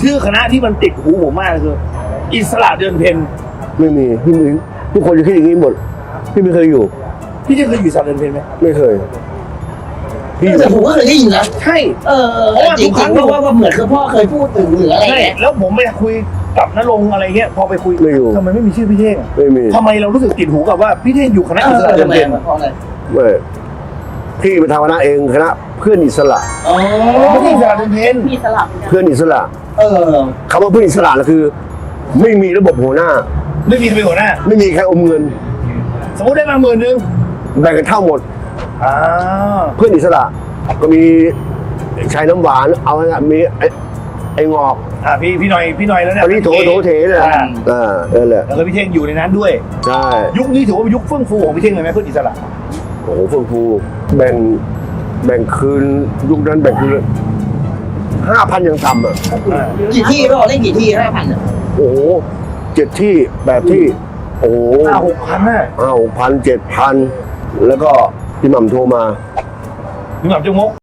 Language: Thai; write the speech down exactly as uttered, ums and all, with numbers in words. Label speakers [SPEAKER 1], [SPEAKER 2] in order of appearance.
[SPEAKER 1] ชื่อคณะที่มันติดหูผมมากคืออิสระเดือนเพ็ญ
[SPEAKER 2] ไม่มีพี่มึงทุกคนจะคิดอย่างนี้หมดพี่ไม่เคยอยู่
[SPEAKER 1] พี่จะเคยอยู่อิสระเดือนเพ็ญไหม
[SPEAKER 2] ไม่เคยพี่อยู่
[SPEAKER 3] แต่ผมก็เคยได้ยินนะ
[SPEAKER 1] ใช่
[SPEAKER 3] เออจริงๆเพราะว่าเหมือนคือพ่อเคยพูดถึงหรืออะไร
[SPEAKER 1] ใช่
[SPEAKER 3] เงี้ย
[SPEAKER 1] แล้วผมไปคุยกับนรงค์อะไรเงี้ยพอไปคุย
[SPEAKER 2] ไม่อยู่
[SPEAKER 1] ทำไมไม่มีชื่อพี่เท่งอะ
[SPEAKER 2] ไม่มี
[SPEAKER 1] ทำไมเรารู้สึกติดหูกับว่าพี่เท่งอยู่คณะอิสระเดือนเพ็ญ
[SPEAKER 3] เพราะอะไร
[SPEAKER 2] ไม่พี่ไปทำคณะเองคณะเพื่อนอิสระ
[SPEAKER 3] อ๋อ
[SPEAKER 1] ไม่ใช่อิสระเดือนเพ็ญ
[SPEAKER 4] มีสลับ
[SPEAKER 2] เพื่อนอิสระ
[SPEAKER 3] เออ
[SPEAKER 2] คำว่าเพื่อนอิสระก็คือ ไม่มีระบบหัวหน้า
[SPEAKER 1] ไม่มีใครเป็นหัวหน้า
[SPEAKER 2] ไม่มีใครอมเงิน
[SPEAKER 1] สมมติได้มาหมื่นนึง
[SPEAKER 2] แบ่งกันเท่าหมด
[SPEAKER 1] อ่า
[SPEAKER 2] เพื่อนอิสระก็มีชายน้ำหวานเอาไงมีไอ้ไอ้งอก
[SPEAKER 1] อ่าพี่พี่หน่อยพี่หน่อยแล้วเนี่ย
[SPEAKER 2] อันนี้โถโถเถเนี่ย
[SPEAKER 1] อ่า
[SPEAKER 2] อ่านั่นแหละ
[SPEAKER 1] แล้วก็พี่เท่งอยู่ในนั้นด้วย
[SPEAKER 2] ใช่
[SPEAKER 1] ยุคนี้ถือว่าเป็นยุคเฟื่องฟูของพี่เท่งเลยไหมเพื่อนอิสระ
[SPEAKER 2] โอ้โหเฟื่องฟูแบ่งแบ่งคืนยุคนั้นแบ่งคืนห้าพันยังต่ำอ่ะ
[SPEAKER 1] อ่า
[SPEAKER 3] กี่ที่เราได้กี่ที่ห้าพันอ่ะ
[SPEAKER 2] โอ้โหเจ็ดที่แปดที่ โอ้โห
[SPEAKER 1] ห้าหกพันน่ะ
[SPEAKER 2] ห้าหกพันเจ็ดพันแล้วก็พี่หม่ำโทรมา
[SPEAKER 1] พี่หม่ำจงมก